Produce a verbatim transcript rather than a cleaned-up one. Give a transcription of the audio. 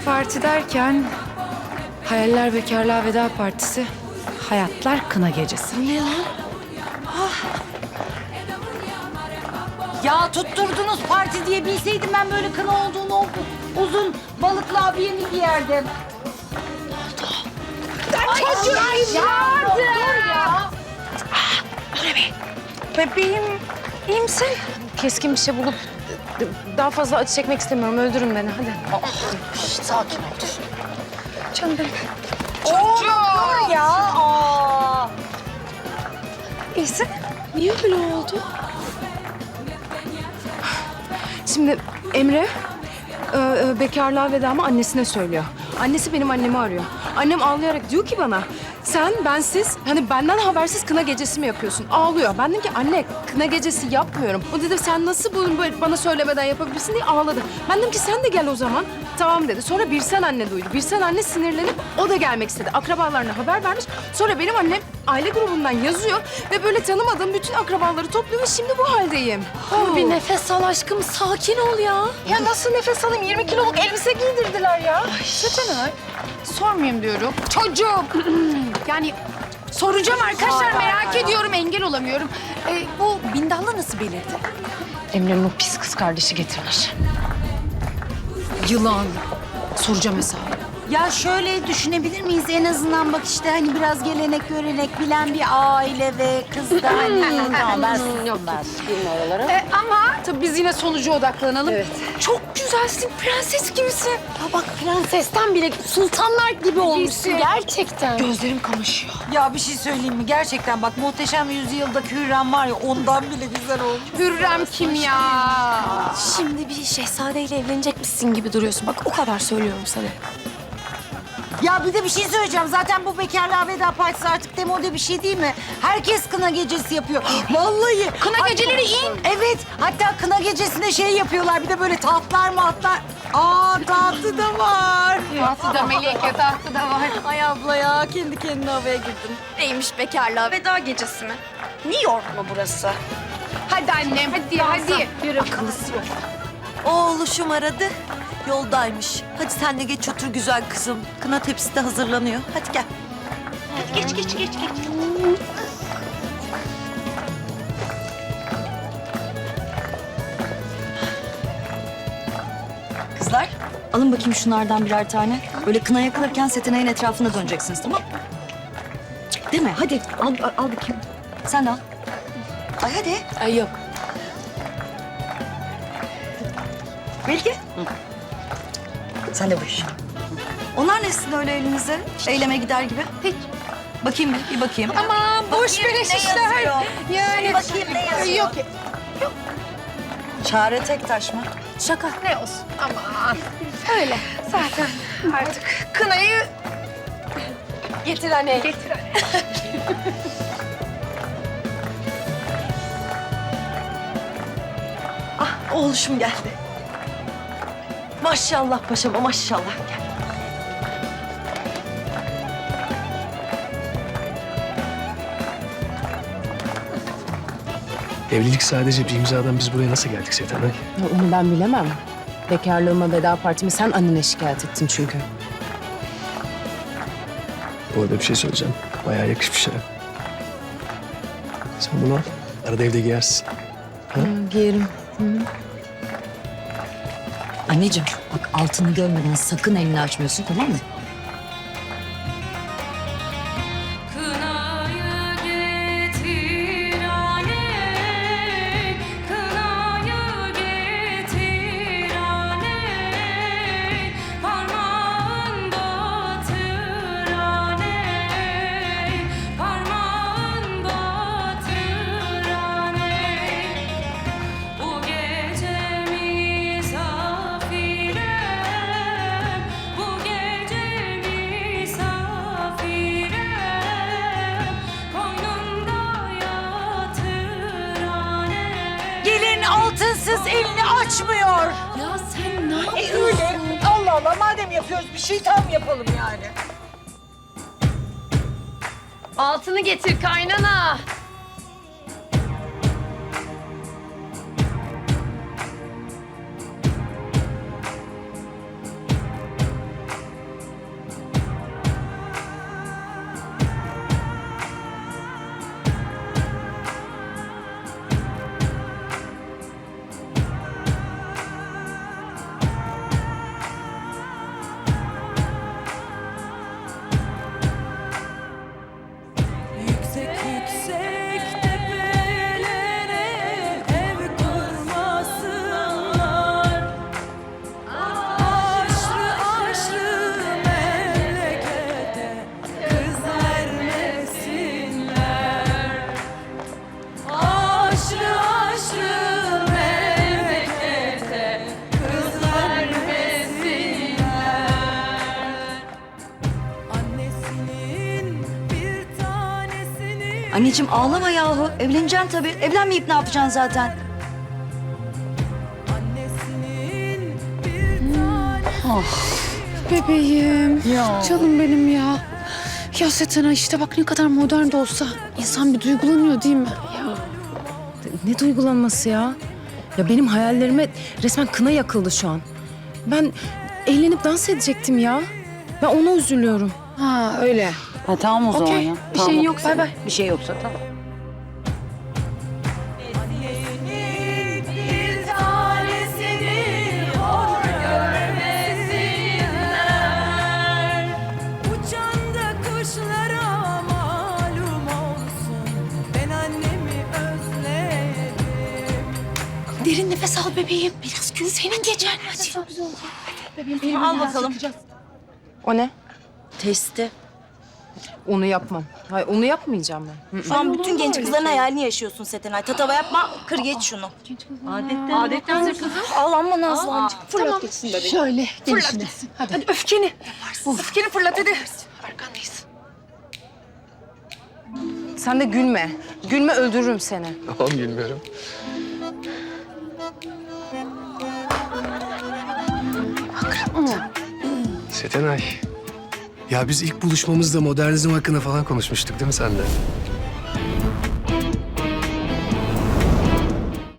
parti derken... Hayaller bekarlığa veda partisi, hayatlar kına gecesi. Ne lan? Ya tutturdunuz parti diye bilseydim ben böyle kına olduğunu o uzun balıklı abiyemi giyerdim. Çocuğum yardım! Bebeğim, iyi misin? Keskin bir şey bulup daha fazla acı çekmek istemiyorum. Öldürün beni, hadi. Sakin ol. Canım benim. Çocuğum! Ya aa. İyisin. Niye böyle oldu? Şimdi Emre e, e, bekarlığa vedamı annesine söylüyor. Annesi benim annemi arıyor. Annem ağlayarak diyor ki bana, sen bensiz, hani benden habersiz kına gecesi mi yapıyorsun? Ağlıyor. Ben dedim ki anne, kına gecesi yapmıyorum. O dedi sen nasıl bunu böyle bana söylemeden yapabilirsin diye ağladı. Ben dedim ki sen de gel o zaman. Tamam dedi. Sonra Birsen anne duydu. Birsen anne sinirlenip o da gelmek istedi. Akrabalarına haber vermiş. Sonra benim annem aile grubundan yazıyor ve böyle tanımadığım bütün akrabaları topluyor ve şimdi bu haldeyim. Dur bir nefes al aşkım. Sakin ol ya. Ya nasıl nefes alayım? yirmi kiloluk elbise giydirdiler ya. Seçenay. Sormayayım diyorum. Çocuğum. Yani soracağım arkadaşlar, merak ediyorum, engel olamıyorum. Ee, bu bindallı nasıl belirdi? Emre'nin o pis kız kardeşi getirmiş. Yılan. Soracağım hesabı. Ya şöyle düşünebilir miyiz en azından bak işte hani biraz gelenek görenek bilen bir aile ve kız da hani tamam ben sustum ben. Ee, ama tabii biz yine sonuca odaklanalım. Evet. Çok güzelsin, prenses gibisin. Ya bak prensesten bile sultanlar gibi olmuşsun gerçekten. Gözlerim kamaşıyor. Ya bir şey söyleyeyim mi? Gerçekten bak Muhteşem Yüzyıl'daki Hürrem var ya ondan bile güzel olmuş. Hürrem kim ya? Şimdi bir şehzadeyle evlenecekmişsin gibi duruyorsun. Bak o kadar söylüyorum sana. Ya bir de bir şey söyleyeceğim. Zaten bu bekarlığa veda partisi artık demode bir şey değil mi? Herkes kına gecesi yapıyor. Vallahi. Kına Hatta- geceleri in. Evet. Hatta kına gecesinde şey yapıyorlar. Bir de böyle tahtlar matlar. Aa tahtı da var. Tahtı da Melike, tahtı da var. Ay abla ya kendi kendine havaya girdin. Neymiş bekarlığa veda gecesi mi? New York mu burası? Hadi annem, hadi, hadi. Yürü. Oğluşum aradı. Yoldaymış. Hadi sen de geç otur güzel kızım. Kına tepsisi de hazırlanıyor. Hadi gel. Hadi geç geç geç geç. Kızlar alın bakayım şunlardan birer tane. Böyle kına yakılırken Setenay'ın etrafında döneceksiniz tamam mı? Değil mi? Hadi al, al, al bakayım. Sen de al. Ay hadi. Ay yok. Bilge. Sen de bu iş. Onlar ne sizin öyle elinizde? Eyleme gider gibi. Hiç. Bakayım bir, bir bakayım. Aman boş Bakayım beleş ne işler. yazıyor? Yani. Bakayım ne yazıyor? Yok. Çare Tektaş mı? Şaka. Ne olsun, aman. Öyle. Zaten artık kınayı Getir anne. getir anne. Ah oğluşum geldi. Maşallah paşama maşallah gel. Evlilik sadece bir imzadan biz buraya nasıl geldik Setenay? Ya onu ben bilemem. Bekarlığıma veda partimi sen annene şikayet ettin çünkü. Bu arada bir şey söyleyeceğim. Bayağı yakışmış ha. Sen bunu al. Arada evde giyersin. Ha, giyerim. Anneciğim bak altını görmeden sakın elini açmıyorsun tamam mı? Kınayı getir aney, kınayı getir aney, parmağın batır aney, parmağın batır aney. Bu gece misafirem, bu gece misafirem, koynumda yatır aney. Gelin altınsız elini açmıyor. Ya sen ne E yapıyorsun? öyle. Allah Allah madem yapıyoruz bir şey tam yapalım yani. Altını getir kaynana. Anneciğim ağlama yahu. Evleneceksin tabii. Evlenmeyip ne yapacaksın zaten? Bebeğim. Canım benim ya. Ya Setena işte bak ne kadar modern de olsa insan bir duygulanıyor değil mi? Ya. Ne duygulanması ya? Ya benim hayallerime resmen kına yakıldı şu an. Ben eğlenip dans edecektim ya. Ben ona üzülüyorum. Ha öyle. Ha, tamam o zaman Okey. ya. Bir Tamam. şeyin yoksa. Bay bay. Bir şey yoksa tamam. Bir tanesini hor görmesinler. Uçan da kuşlara malum olsun. Ben annemi özledim. Derin nefes al bebeğim. Biraz gün senin gecen. Hadi. Al bakalım. O ne? Testi. Onu yapmam. Hayır, onu yapmayacağım ben. Şu an bütün genç kızların hayalini yaşıyorsun Setenay. Tatava yapma, kır geç şunu. Adetten. Adettendir kızım. Ağlanma Nazlı'cığım. Fırlat gitsin bebeğim. Şöyle gelişine. Hadi. Hadi öfkeni. Öfkeni fırlat hadi. Arkandayız. Sen de gülme. Gülme öldürürüm seni. Tamam bilmiyorum. Setenay. Ya biz ilk buluşmamızda modernizm hakkında falan konuşmuştuk değil mi sen de?